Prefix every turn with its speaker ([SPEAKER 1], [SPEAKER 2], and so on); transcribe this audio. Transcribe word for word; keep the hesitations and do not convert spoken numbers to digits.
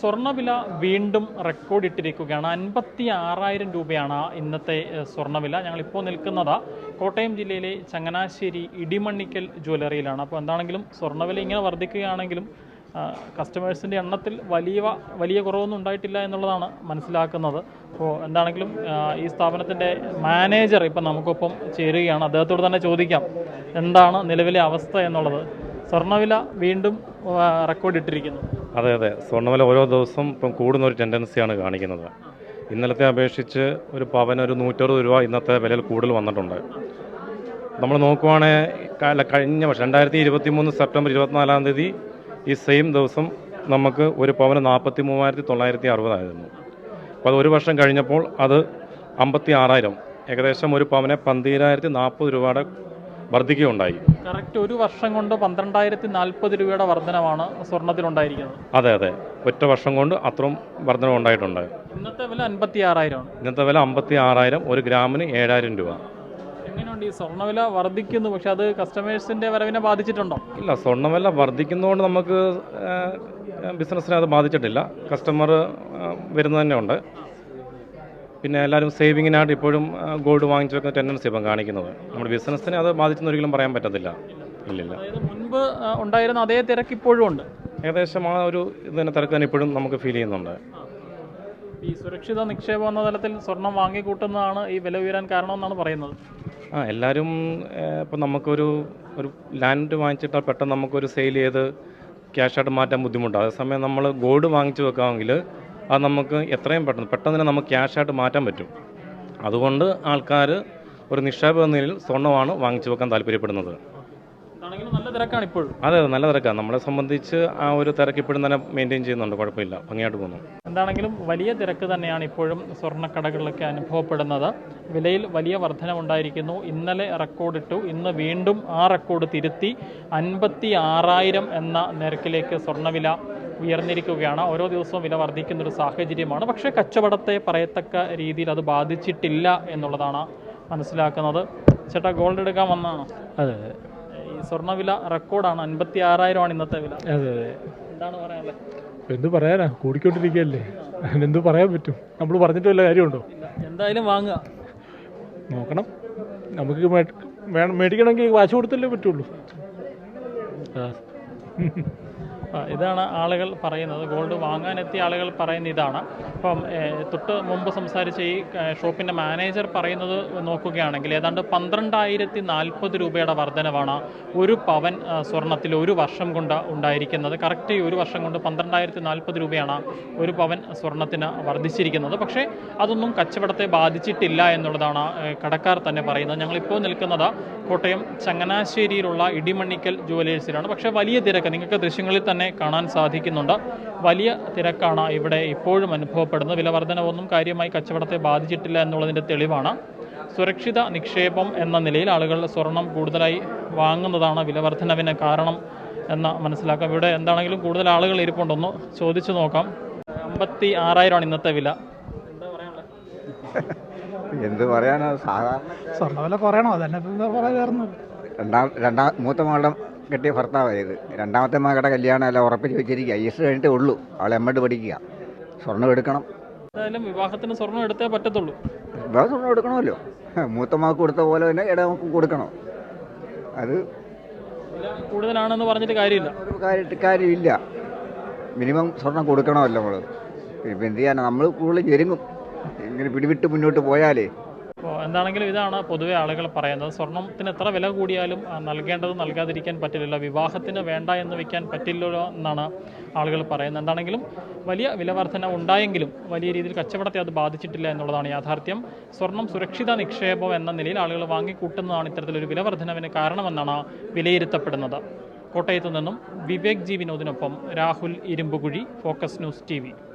[SPEAKER 1] സ്വർണ്ണവില വീണ്ടും റെക്കോർഡ് ഇട്ടിരിക്കുകയാണ്. അൻപത്തി ആറായിരം രൂപയാണ് ഇന്നത്തെ സ്വർണ്ണവില. ഞങ്ങളിപ്പോൾ നിൽക്കുന്നത് കോട്ടയം ജില്ലയിലെ ചങ്ങനാശ്ശേരി ഇടിമണ്ണിക്കൽ ജ്വല്ലറിയിലാണ്. അപ്പോൾ എന്താണെങ്കിലും സ്വർണ്ണവില ഇങ്ങനെ വർദ്ധിക്കുകയാണെങ്കിലും കസ്റ്റമേഴ്സിൻ്റെ എണ്ണത്തിൽ വലിയ വലിയ കുറവൊന്നും ഉണ്ടായിട്ടില്ല എന്നുള്ളതാണ് മനസ്സിലാക്കുന്നത്. അപ്പോൾ എന്താണെങ്കിലും ഈ സ്ഥാപനത്തിൻ്റെ മാനേജർ ഇപ്പം നമുക്കൊപ്പം ചേരുകയാണ്. അദ്ദേഹത്തോട് തന്നെ ചോദിക്കാം എന്താണ് നിലവിലെ അവസ്ഥ എന്നുള്ളത്. സ്വർണ്ണവില വീണ്ടും റെക്കോർഡ് ഇട്ടിരിക്കുന്നു.
[SPEAKER 2] അതെ അതെ സ്വർണ്ണവില ഓരോ ദിവസം ഇപ്പം കൂടുന്ന ഒരു ടെൻഡൻസിയാണ് കാണിക്കുന്നത്. ഇന്നലത്തെ അപേക്ഷിച്ച് ഒരു പവന് ഒരു നൂറ്ററുപത് രൂപ ഇന്നത്തെ വിലയിൽ കൂടുതൽ വന്നിട്ടുണ്ട്. നമ്മൾ നോക്കുവാണെങ്കിൽ കഴിഞ്ഞ വർഷം രണ്ടായിരത്തി ഇരുപത്തി മൂന്ന് സെപ്റ്റംബർ ഇരുപത്തിനാലാം തീയതി ഈ സെയിം ദിവസം നമുക്ക് ഒരു പവന് നാൽപ്പത്തി മൂവായിരത്തി തൊള്ളായിരത്തി അറുപതായിരുന്നു. അപ്പോൾ അത് ഒരു വർഷം കഴിഞ്ഞപ്പോൾ അത് അമ്പത്തി ആറായിരം ഏകദേശം ഒരു പവനെ പന്തിരായിരത്തി നാൽപ്പത് രൂപയുടെ വർദ്ധിക്കുകയുണ്ടായി.
[SPEAKER 1] കറക്റ്റ് ഒരു വർഷം കൊണ്ട് പന്ത്രണ്ടായിരത്തി നാൽപ്പത് രൂപയുടെ വർധനമാണ് സ്വർണ്ണത്തിലുണ്ടായിരിക്കുന്നത്.
[SPEAKER 2] അതെ അതെ ഒറ്റ വർഷം കൊണ്ട് അത്രയും വർധന ഉണ്ടായിട്ടുണ്ട്.
[SPEAKER 1] ഇന്നത്തെ വില അൻപത്തി ആറായിരം
[SPEAKER 2] ഇന്നത്തെ വില അമ്പത്തി ആറായിരം ഒരു ഗ്രാമിന് ഏഴായിരം രൂപ.
[SPEAKER 1] എങ്ങനെയുണ്ട് ഈ സ്വർണ്ണവില വർദ്ധിക്കുന്നു, പക്ഷെ അത് കസ്റ്റമേഴ്സിന്റെ വരവിനെ ബാധിച്ചിട്ടുണ്ടോ?
[SPEAKER 2] ഇല്ല, സ്വർണ്ണവില വർദ്ധിക്കുന്നതുകൊണ്ട് നമുക്ക് ബിസിനസ്സിനെ അത് ബാധിച്ചിട്ടില്ല. കസ്റ്റമർ വരുന്നത് തന്നെ ഉണ്ട്. പിന്നെ എല്ലാവരും സേവിങ്ങിനായിട്ട് ഇപ്പോഴും ഗോൾഡ് വാങ്ങിച്ചു വെക്കുന്ന ടെൻഡൻസി ഇപ്പം കാണിക്കുന്നത്. നമ്മുടെ ബിസിനസ്സിനെ അത് ബാധിച്ചെന്ന് ഒരിക്കലും പറയാൻ പറ്റത്തില്ല. ഇല്ലില്ല,
[SPEAKER 1] മുൻപ് ഉണ്ടായിരുന്ന അതേ തിരക്ക് ഇപ്പോഴും ഉണ്ട്.
[SPEAKER 2] ഏകദേശം ആ ഒരു ഇതിനെ തിരക്ക് തന്നെ ഇപ്പോഴും നമുക്ക് ഫീൽ ചെയ്യുന്നുണ്ട്.
[SPEAKER 1] ഈ സുരക്ഷിത നിക്ഷേപം എന്ന തലത്തിൽ സ്വർണം വാങ്ങിക്കൂട്ടുന്നതാണ് ഈ വില ഉയരാൻ കാരണമെന്നാണ് പറയുന്നത്.
[SPEAKER 2] ആ എല്ലാവരും ഇപ്പം നമുക്കൊരു ഒരു ലാൻഡ് വാങ്ങിച്ചിട്ടാൽ പെട്ടെന്ന് നമുക്കൊരു സെയിൽ ചെയ്ത് ക്യാഷായിട്ട് മാറ്റാൻ ബുദ്ധിമുട്ടാണ്. അതേസമയം നമ്മൾ ഗോൾഡ് വാങ്ങിച്ചു വെക്കാമെങ്കിൽ അത് നമുക്ക് എത്രയും പെട്ടെന്ന് പെട്ടെന്ന് തന്നെ നമുക്ക് ക്യാഷായിട്ട് മാറ്റാൻ പറ്റും. അതുകൊണ്ട് ആൾക്കാർ ഒരു നിക്ഷേപം എന്ന നിലയിൽ സ്വർണ്ണമാണ് വാങ്ങിച്ചു വെക്കാൻ താല്പര്യപ്പെടുന്നത്.
[SPEAKER 1] നല്ല തിരക്കാണ് ഇപ്പോഴും.
[SPEAKER 2] അതെ അതെ നല്ല തിരക്കാണ്. നമ്മളെ സംബന്ധിച്ച് ആ ഒരു തിരക്ക് ഇപ്പോഴും തന്നെ മെയിൻറ്റെയിൻ ചെയ്യുന്നുണ്ട്. കുഴപ്പമില്ല, ഭംഗിയായിട്ട് പോകുന്നു.
[SPEAKER 1] എന്താണെങ്കിലും വലിയ തിരക്ക് തന്നെയാണ് ഇപ്പോഴും സ്വർണ്ണക്കടകളിലൊക്കെ അനുഭവപ്പെടുന്നത്. വിലയിൽ വലിയ വർധനവുണ്ടായിരിക്കുന്നു. ഇന്നലെ റെക്കോർഡിട്ടു, ഇന്ന് വീണ്ടും ആ റെക്കോർഡ് തിരുത്തി അൻപത്തി ആറായിരം എന്ന നിരക്കിലേക്ക് സ്വർണ്ണവില ഉയർന്നിരിക്കുകയാണ്. ഓരോ ദിവസവും വില വർദ്ധിക്കുന്നൊരു സാഹചര്യമാണ്. പക്ഷേ കച്ചവടത്തെ പറയത്തക്ക രീതിയിൽ അത് ബാധിച്ചിട്ടില്ല എന്നുള്ളതാണ് മനസ്സിലാക്കുന്നത്. ചേട്ടാ, ഗോൾഡ് എടുക്കാൻ വന്നതാണോ?
[SPEAKER 3] അതെ,
[SPEAKER 1] ഈ സ്വർണ്ണവില റെക്കോർഡാണ്, അൻപത്തി ആറായിരമാണ് ഇന്നത്തെ വില.
[SPEAKER 3] അതെ അതെ
[SPEAKER 1] എന്താണ് പറയാനുള്ളത്?
[SPEAKER 3] എന്ത് പറയാനാ, കൂടിക്കൊണ്ടിരിക്കുകയല്ലേ, എന്ത് പറയാൻ പറ്റും? നമ്മൾ പറഞ്ഞിട്ട് വല്ല കാര്യമുണ്ടോ?
[SPEAKER 1] എന്തായാലും വാങ്ങുക,
[SPEAKER 3] നോക്കണം. നമുക്ക് വേണം മേടിക്കണമെങ്കിൽ വാശി കൊടുത്തല്ലേ പറ്റുള്ളൂ.
[SPEAKER 1] ഇതാണ് ആളുകൾ പറയുന്നത്. ഗോൾഡ് വാങ്ങാനെത്തിയ ആളുകൾ പറയുന്ന ഇതാണ്. അപ്പം തൊട്ട് മുമ്പ് സംസാരിച്ച ഈ ഷോപ്പിൻ്റെ മാനേജർ പറയുന്നത് നോക്കുകയാണെങ്കിൽ ഏതാണ്ട് പന്ത്രണ്ടായിരത്തി നാൽപ്പത് രൂപയുടെ വർധനവാണ് ഒരു പവൻ സ്വർണ്ണത്തിൽ ഒരു വർഷം കൊണ്ട് ഉണ്ടായിരിക്കുന്നത്. കറക്റ്റ് ഒരു വർഷം കൊണ്ട് പന്ത്രണ്ടായിരത്തി നാൽപ്പത് രൂപയാണ് ഒരു പവൻ സ്വർണ്ണത്തിന് വർദ്ധിച്ചിരിക്കുന്നത്. പക്ഷേ അതൊന്നും കച്ചവടത്തെ ബാധിച്ചിട്ടില്ല എന്നുള്ളതാണ് കടക്കാർ തന്നെ പറയുന്നത്. ഞങ്ങളിപ്പോൾ നിൽക്കുന്നത് കോട്ടയം ചങ്ങനാശ്ശേരിയിലുള്ള ഇടിമണ്ണിക്കൽ ജുവലേഴ്സിലാണ്. പക്ഷേ വലിയ തിരക്ക് നിങ്ങൾക്ക് ദൃശ്യങ്ങളിൽ തന്നെ കാണാൻ സാധിക്കുന്നുണ്ട്. വലിയ തിരക്കാണ് ഇവിടെ ഇപ്പോഴും അനുഭവപ്പെടുന്നത്. വിലവർധനവൊന്നും കാര്യമായി കച്ചവടത്തെ ബാധിച്ചിട്ടില്ല എന്നുള്ളതിൻ്റെ തെളിവാണ്. സുരക്ഷിത നിക്ഷേപം എന്ന നിലയിൽ ആളുകൾ സ്വർണം കൂടുതലായി വാങ്ങുന്നതാണ് വിലവർധനവിന് കാരണം എന്ന് മനസ്സിലാക്കാം. ഇവിടെ എന്താണെങ്കിലും കൂടുതൽ ആളുകൾ ഇരിപ്പുണ്ടെന്ന് ചോദിച്ചു നോക്കാം. അമ്പത്തി ആറായിരമാണ് ഇന്നത്തെ വില. എന്താ പറയാനുള്ളത്?
[SPEAKER 4] എന്ത് പറയാനോ, സാധാരണ
[SPEAKER 3] സ്വർണ്ണവില പറയണോ? അതന്നെ പറയാറുണ്ട്.
[SPEAKER 4] രണ്ടാം രണ്ടാം മൂത്ത മകളുടെ കെട്ടിയ ഭർത്താവായത്. രണ്ടാമത്തെ മകളുടെ കല്യാണം എല്ലാം ഉറപ്പിച്ച് വെച്ചിരിക്കുക. ഐ എസ് കഴിഞ്ഞിട്ടേ ഉള്ളൂ. അവളെ എമ്മഡ് പഠിക്കുക. സ്വർണ്ണം എടുക്കണം.
[SPEAKER 1] എന്തായാലും വിവാഹത്തിന് സ്വർണ്ണം എടുത്തേ പറ്റത്തുള്ളൂ.
[SPEAKER 4] വിവാഹ സ്വർണ്ണം എടുക്കണമല്ലോ. മൂത്ത മകൾക്ക് കൊടുത്ത പോലെ തന്നെ ഇടമക്ക് കൊടുക്കണം. അത്
[SPEAKER 1] കൂടുതലാണെന്ന് പറഞ്ഞിട്ട് കാര്യമില്ല.
[SPEAKER 4] ഒരു കാര്യമായിട്ട് കാര്യമില്ല. മിനിമം സ്വർണ്ണം കൊടുക്കണമല്ലോ നമ്മൾ. ഇപ്പം എന്ത് ചെയ്യാനാണ്, നമ്മൾ കൂടുതൽ ഞെരുങ്ങും ഇങ്ങനെ പിടിവിട്ട് മുന്നോട്ട് പോയാലേ.
[SPEAKER 1] അപ്പോൾ എന്താണെങ്കിലും ഇതാണ് പൊതുവെ ആളുകൾ പറയുന്നത്. സ്വർണ്ണത്തിന് എത്ര വില കൂടിയാലും നൽകേണ്ടത് നൽകാതിരിക്കാൻ പറ്റില്ലല്ലോ, വിവാഹത്തിന് വേണ്ട എന്ന് വെക്കാൻ പറ്റില്ലല്ലോ എന്നാണ് ആളുകൾ പറയുന്നത്. എന്താണെങ്കിലും വലിയ വിലവർധന ഉണ്ടായെങ്കിലും വലിയ രീതിയിൽ കച്ചവടത്തെ അത് ബാധിച്ചിട്ടില്ല എന്നുള്ളതാണ് യാഥാർത്ഥ്യം. സ്വർണം സുരക്ഷിത നിക്ഷേപം എന്ന നിലയിൽ ആളുകൾ വാങ്ങിക്കൂട്ടുന്നതാണ് ഇത്തരത്തിലൊരു വിലവർധനവിന് കാരണമെന്നാണ് വിലയിരുത്തപ്പെടുന്നത്. കോട്ടയത്തു നിന്നും വിവേക് ജി വിനോദിനൊപ്പം Rahul Irumbukuzhi, focus news T V.